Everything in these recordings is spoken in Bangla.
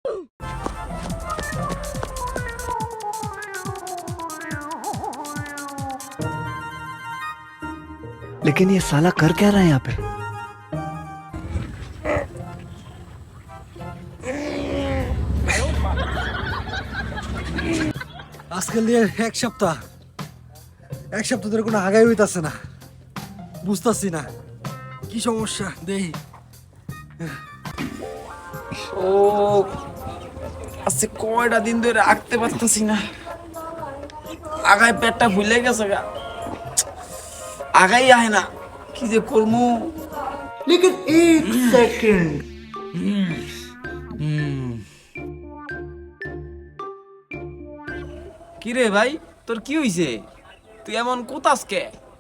लेकिन ये साला कर क्या रहा है यहाँ पे? আজকাল দিয়ে এক সপ্তাহ ধরে কোনো আগাই হইতাছে না, বুঝতাছি না কি সমস্যা। দেই ও আজকে কয়টা দিন ধরে আঁকতে পারতেছি না, আগায় পেটটা ভুলে গেছে গা, আগাই আয় না, কি যে করবো। लेकिन एक सेकंड কি রে ভাই, তোর কি হইছে? তুই এমন কোথাস কে?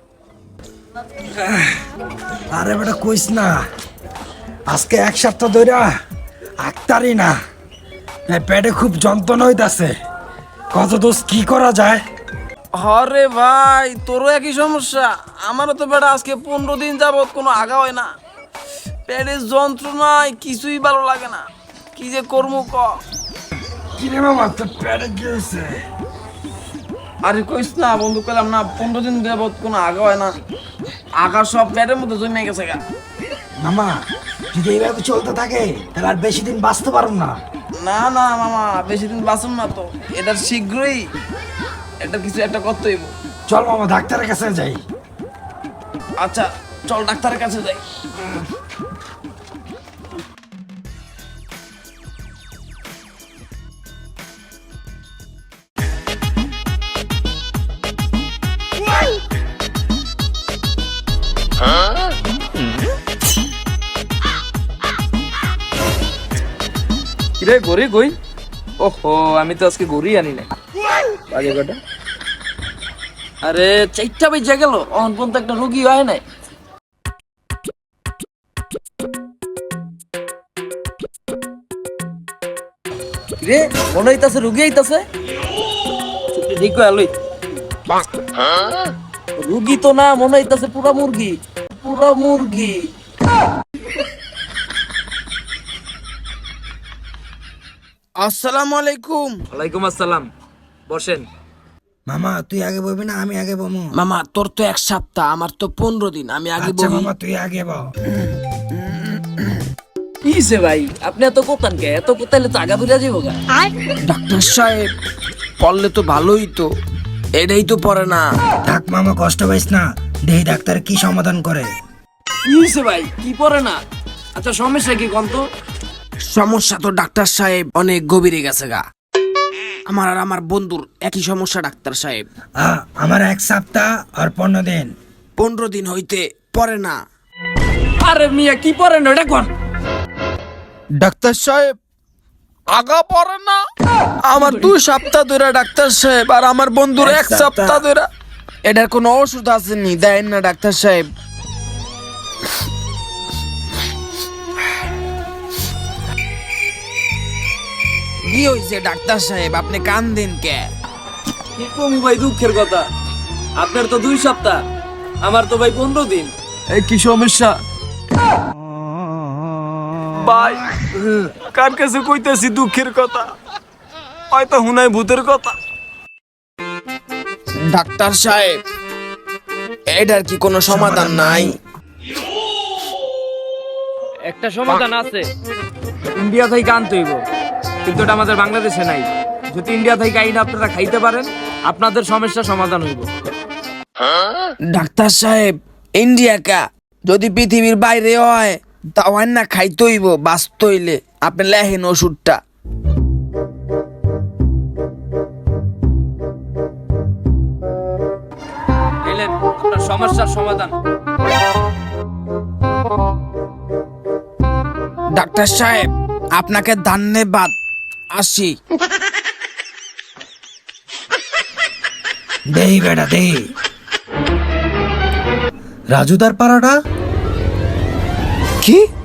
আরে বেটা কইস না, আজকে এক সপ্তাহ ধরে আঁকতারি না, পেটে খুব যন্ত্রণা হইতাছে। কত দোষ কি করা যায়? আরে ভাই, তোরও একই সমস্যা। আমারও তো বেটা আজকে 15 দিন যাবত কোনো আগা হয় না, পেটের যন্ত্রণায় কিছুই ভালো লাগে না, কি যে করবো ক। কি রে মামা, তোর পেটে কি হয়েছে? আরে কইস না বন্ধু, কইলাম না 15 দিন যাবত কোনো আগা হয় না, আগা সব পেটের মধ্যে জমে গেছে গা। মামা যদি এইভাবে চলতে থাকে তাহলে আর বেশি দিন বাঁচতে পারব না। না না মামা, বেশি দিন বাঁচুন না তো, এটা শীঘ্রই এটা কিছু একটা করতে হইব। চল মামা ডাক্তারের কাছে যাই। আচ্ছা চল ডাক্তারের কাছে যাই। কিরে গড়ি কই? ওহো, আমি তো আজকে গড়ি আনি নাই। আগে কটা? আরে 4টা বেজে গেল, অন পর্যন্ত একটা রোগী হয় নাই। রে মনে হইতাছে রুগী আইতাছে। ঠিক কই আলুই। রুগী তো না, মনে হইতাছে পুরা মুরগি, পুরা মুরগি। আসসালামু আলাইকুম। ওয়ালাইকুম আসসালাম, বসেন। মামা তুই আগে বলবি না আমি আগে বলবো? মামা তোর তো 1 সপ্তাহ, আমার তো 15 দিন, আমি আগে আচ্ছা বলি। মামা তুই আগে বল। কিছে ভাই, আপনি এত কোতান কে? এত কোতাইলে তো আগা বুঝা যাবো গা। ডাক্তার সাহেব পড়লে তো ভালোই, তো এটাই তো পড়ে না। থাক মামা কষ্ট পাইস না, দেহি ডাক্তার কি সমাধান করে। কিছে ভাই, কি পড়ে না? আচ্ছা সমস্যা কি কোন তো? সমস্যা তো ডাক্তার সাহেব অনেক গভীরে গেছে গা। আমার আর আমার বন্ধুর একই সমস্যা ডাক্তার সাহেব। আমার 1 সপ্তাহ আর 15 দিন। 15 দিন হইতে পড়ে না। আরে মিয়া কি পড়ে না, এটা কোন? ডাক্তার সাহেব আগা পড়ে না। আমার 2 সপ্তাহ ধরে ডাক্তার সাহেব, আর আমার বন্ধুর 1 সপ্তাহ ধরে। এটার কোনো ওষুধ আসেনি, দেন না ডাক্তার সাহেব। কি হয়েছে ডাক্তার সাহেব, আপনি কান্দেন কে? কি কমু ভাই, দুঃখের কথা। আপনার তো 2 সপ্তাহ, আমার তো ভাই 15 দিন। এই কি সমস্যা ভাই? কার কাছে কইতেছি দুঃখের কথা, হয়তো হুনাই ভূতের কথা। ডাক্তার সাহেব এটার কি কোনো সমাধান নাই? একটা সমাধান আছে, ইন্ডিয়া থেকে আনতে হইব, কিন্তু এটা আমাদের বাংলাদেশে নাই। যদি ইন্ডিয়া থেকে আইন আপনারা খাইতে পারেন, আপনাদের সমস্যা সমাধান হইব। ডাক্তার সাহেব ইন্ডিয়া কা, যদি পৃথিবীর বাইরে হয় তাও না খাইতে হইব, বাঁচতে হইলে। আপনি লেহেন ওষুধটা। এলেন আপনার সমস্যার সমাধান। ডাক্তার সাহেব আপনাকে ধন্যবাদ, আসি। দেহি বেটা দেহি। রাজুদার পাড়াটা কি?